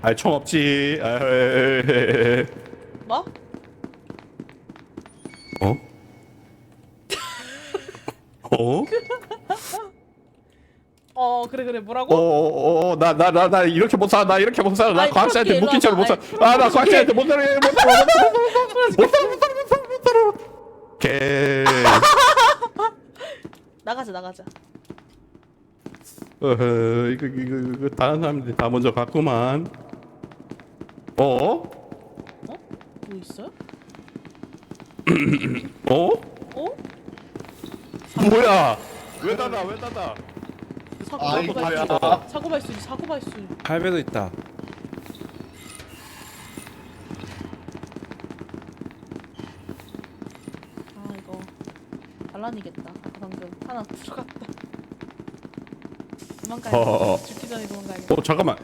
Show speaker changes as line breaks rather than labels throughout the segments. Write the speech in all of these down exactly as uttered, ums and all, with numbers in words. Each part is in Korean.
아이 총 없지. 아, 에에에에.
뭐?
어? 어?
어 그래 그래 뭐라고?
어어어 나 나 나 나 이렇게 못 살아 나 이렇게 못 살아 나
아이,
과학자한테
프로키
묶인 채로 못
일로
살아
와봐.
아나
아이,
과학자한테 못 살아 못 살아 못 살아 못 살아 못 살아 못 살아 못 살아 못 살아 개
나가자 나가자.
어허 이거 이거 이거 다른 사람들이 다 먼저 갔구만 어?
뭐 있어요?
어?
어?
뭐야 왜 닫아 왜 닫아
사고
아,
사고
이거
발수.
뭐야.
사고 발수 사고 발수.
할배도 있다.
아 이거 반란이겠다. 아까 방금 하나 들어갔다. 도망가야
어어어.
돼. 죽기 전에 도망가야겠다.
어 잠깐만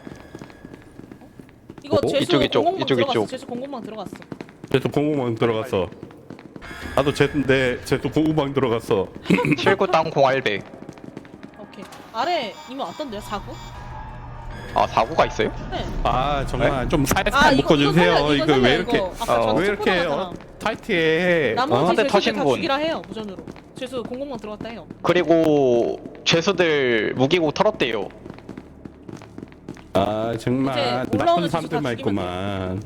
이거
어?
죄수
이쪽, 이쪽,
공공망
이쪽,
들어갔어.
이쪽.
죄수 공공망 들어갔어.
쟤도 공구방 들어갔어 나도 쟤인데 쟤도 공구방 들어갔어
칠구 땅콩 알배.
오케이. 아래 이미 왔던데요 사고?
아 사고가 있어요?
네.
아 정말 좀 살살
아, 이거-
묶어주세요
이거
이거,
살려,
왜
이거.
이렇게
아까
어,
전투
왜 이렇게
포나가잖아.
어, 타이트해
나머지
어?
한대
죄수들
터신
다
분.
죽이라 해요 무전으로. 죄수 공공망 들어갔다 해요.
그리고 죄수들 무기고 털었대요.
아 정말
이제
나쁜
올라오는
사람들만
지수 다
있구만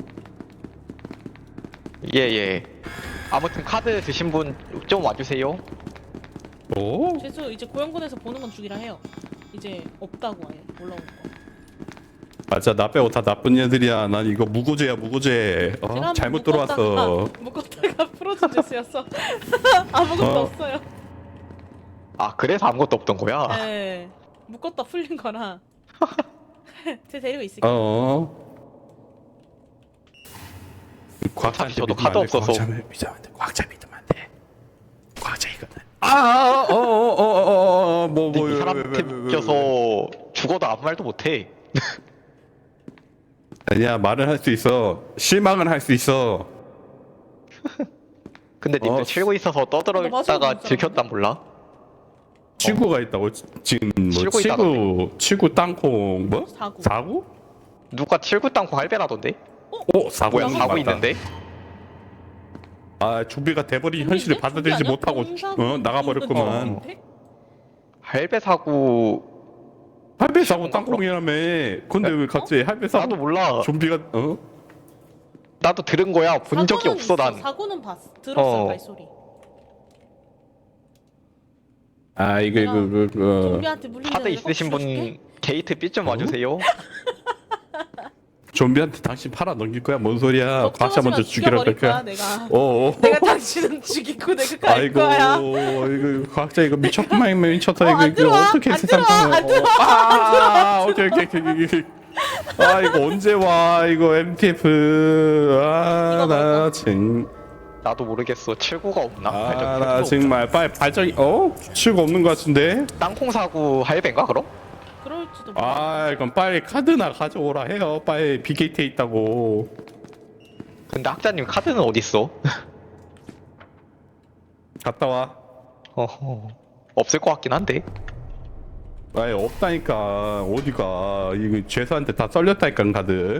예예. 아무튼 카드 드신 분 좀 와주세요.
오?
죄수 이제 고영군에서 보는 건 죽이라 해요. 이제 없다고 아예 올라오는 거.
맞아 나 빼고 다 나쁜 애들이야 난 이거 무고죄야 무고죄
제가
어?
한번
잘못
묶었다가-
들어왔어
묶었다가 풀어준 죄수였어. 아무것도
어.
없어요.
아 그래서 아무것도 없던 거야?
네. 묶었다 풀린 거라. 제 데리고 있을게요.
어 과학자한테
저도
믿으면
카드
안 돼.
없어서.
과학자 믿으면 안돼 과학자 믿으면 안돼 과학자 이거는 아어어어어어뭐뭐
근데 이 사람한테 묶여서 죽어도 아무 말도 못해.
아니야 말은 할 수 있어 실망은 할 수 있어
근데 님들
어.
칠고 있어서
나 마지막에
떠들었다가
못
들켰단 몰라?
치구가 있다고 지- 지금 뭐
치고
치구 치구 땅콩 뭐?
사고.
사구?
누가 칠구 땅콩 할배라던데?
오 사구
뭐야 사고 있는데?
아 좀비가 돼버린 현실을 받아들이지 못하고 어 나가버렸구만
할배 사고
할배 사고
뭔가
땅콩이라며 근데 왜 갑자기 할배 사고
나도 몰라.
좀비가 어?
나도 들은 거야. 본 적이 없어 난.
사고는 봤어. 들었어
어.
발소리.
아 이거 이거 이거 이거
좀비한테 물리면
카드 있으신 분 게이트 B 좀 와주세요.
좀비한테 당신 팔아 넘길 거야 뭔 소리야 과학자 먼저 죽이라 할
거야
거야
내가.
어어
내가 당신은 죽이고 내가 갈
아이고
거야.
이거 과학자 이거 미쳤구만 미쳤다
어,
이거
안
이거
들어와,
어떻게
안
세상
들어와,
상황
안 들어와,
아 오케이 오케이 오케이 오케이 아 이거 언제 와 이거 엠티에프
이거
아나
먹어.
정
나도 모르겠어. 칠구가 없나? 발전기
아나
필요가
정말 빨리 발전이 어? 치우가 없는 것 같은데
없나? 땅콩 사고 할배인가 그럼?
그럴지도 몰라.
아 그럼 빨리 카드나 가져오라 해요 빨리 비케이트에 있다고
근데 학자님 카드는 어디 있어?
갔다 와
어허. 없을 것 같긴 한데.
아예 없다니까 어디가 이거 죄수한테 다 썰렸다니까 카드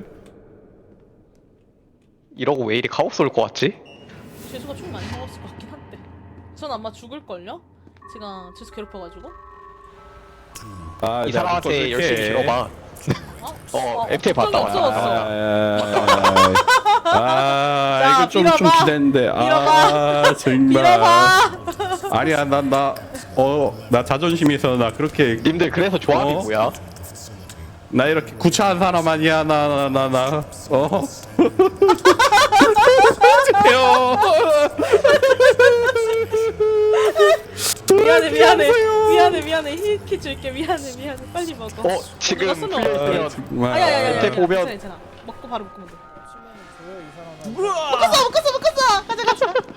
이러고 왜 이리 카오스 올 것 같지?
죄수가 총 많이 먹었을 것 같긴 한데. 전 아마 죽을걸요? 제가 죄수 괴롭혀가지고.
아,
이
내가
사람한테
묶어줄게.
열심히 들어봐.
어?
어, 엠티 봤다
없어
와.
없어.
아, 아,
자,
이거 좀, 좀
밀어봐.
기대했는데. 아,
밀어봐.
정말.
밀어봐.
아니야, 난, 나, 어, 나 자존심이 있어. 나 그렇게,
님들 그래서 조합이
어?
뭐야?
나 이렇게 구차한 사람 아니야. 나, 나, 나, 나. 어? 해요.
미안해 미안해 미안해 미안해 힐키 줄게 미안해 미안해 빨리 먹어.
어 지금
어디 갔어, 너?
풀려
아,
있으면
정말.
아야야야.
밑에 보면-
괜찮아 괜찮아. 먹고 바로 먹으면 돼. 묶었어 묶었어 묶었어. 가자 가자.